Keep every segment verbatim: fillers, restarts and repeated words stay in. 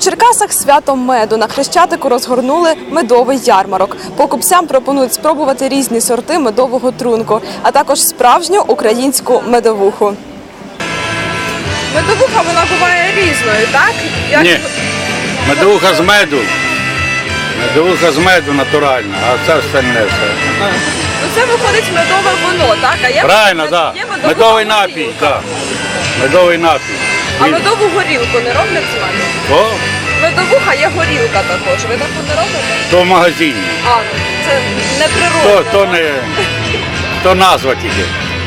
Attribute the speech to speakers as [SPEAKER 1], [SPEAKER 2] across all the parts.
[SPEAKER 1] Черкасах свято меду. На Хрещатику розгорнули медовий ярмарок. Покупцям пропонують спробувати різні сорти медового трунку, а також справжню українську медовуху. Медовуха, вона буває різною, так? Як...
[SPEAKER 2] Ні, медовуха з меду. Медовуха з меду натуральна, а це остальне все.
[SPEAKER 1] Ну, це виходить медове вино, так? А є
[SPEAKER 2] Правильно,
[SPEAKER 1] мед...
[SPEAKER 2] так.
[SPEAKER 1] Є
[SPEAKER 2] Да. Медовий напій,
[SPEAKER 1] горілка.
[SPEAKER 2] так. Да. Медовий напій.
[SPEAKER 1] А медову горілку не роблять з меду?
[SPEAKER 2] То?
[SPEAKER 1] Медовуха є горілка також. Ви таку не робите?
[SPEAKER 2] То в магазині.
[SPEAKER 1] А, ну, це не
[SPEAKER 2] То,
[SPEAKER 1] природне.
[SPEAKER 2] то не, то назва тільки.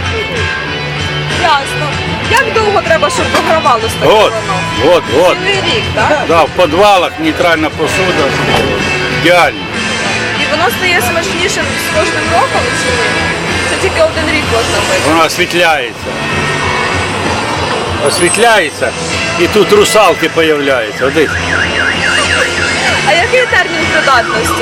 [SPEAKER 1] Ясно. Як довго треба, щоб вигравалося таке
[SPEAKER 2] От,
[SPEAKER 1] вино?
[SPEAKER 2] от, от.
[SPEAKER 1] Цілий рік, так?
[SPEAKER 2] Да, в підвалах нейтральна посуда. Ідеально.
[SPEAKER 1] І воно стає смачнішим з кожним роком чи ні? Це тільки один рік можна пити.
[SPEAKER 2] Воно освітляється. Освітляється і тут русалки з'являються. Один.
[SPEAKER 1] А який термін придатності?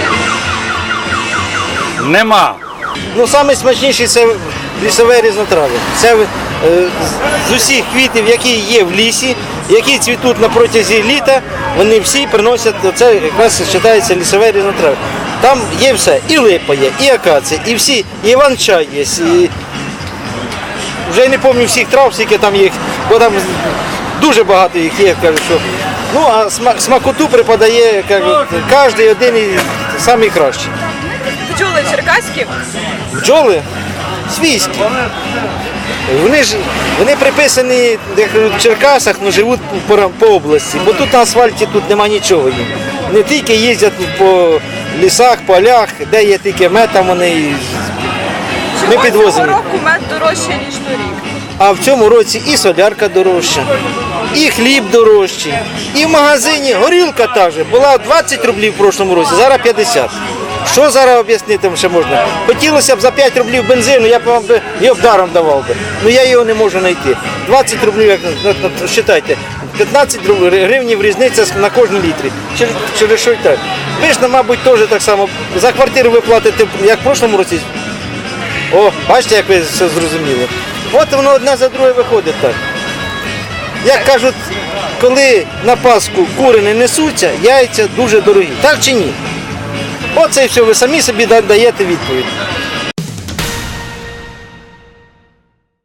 [SPEAKER 2] Нема.
[SPEAKER 3] Ну, найсмачніший це лісове різнотрав'я. Це е, з усіх квітів, які є в лісі, які цвітуть на протязі літа, вони всі приносять, це якраз вважається лісове різнотрав'я. Там є все, і липа є, і акація, і всі, і іван-чай є. І... Вже я не пам'ятаю всіх трав, скільки там їх, бо там дуже багато їх є, кажуть, що. Ну, а смакоту припадає, кажуть, кожен один і найкращий.
[SPEAKER 1] Бджоли черкаські?
[SPEAKER 3] Бджоли свійські. Вони ж вони приписані як в Черкасах, але живуть по, по області, бо тут на асфальті тут нема нічого їм. Не тільки їздять по лісах, полях, де є тільки мед, там вони
[SPEAKER 1] Чому
[SPEAKER 3] ми підвозимо.
[SPEAKER 1] цього року мед дорожче, ніж торік?
[SPEAKER 3] А в цьому році і солярка дорожча, і хліб дорожчий, і в магазині горілка та же була двадцять рублів в прошлому році, зараз п'ятдесят. Що зараз об'яснити ще можна? Хотілося б за п'ять рублів бензину, я б вам би його б даром давав би. Ну я його не можу знайти. двадцять рублів, як вважайте, п'ятнадцять гривень різниця на кожному літрі. Через, через що й так? Ви ж, мабуть, теж так само. За квартиру ви платите, як в прошлому році. О, бачите, як ви все зрозуміли. От воно одне за друге виходить так. Як кажуть, коли на Пасху кури не несуться, яйця дуже дорогі. Так чи ні? Оце і все, ви самі собі даєте відповідь.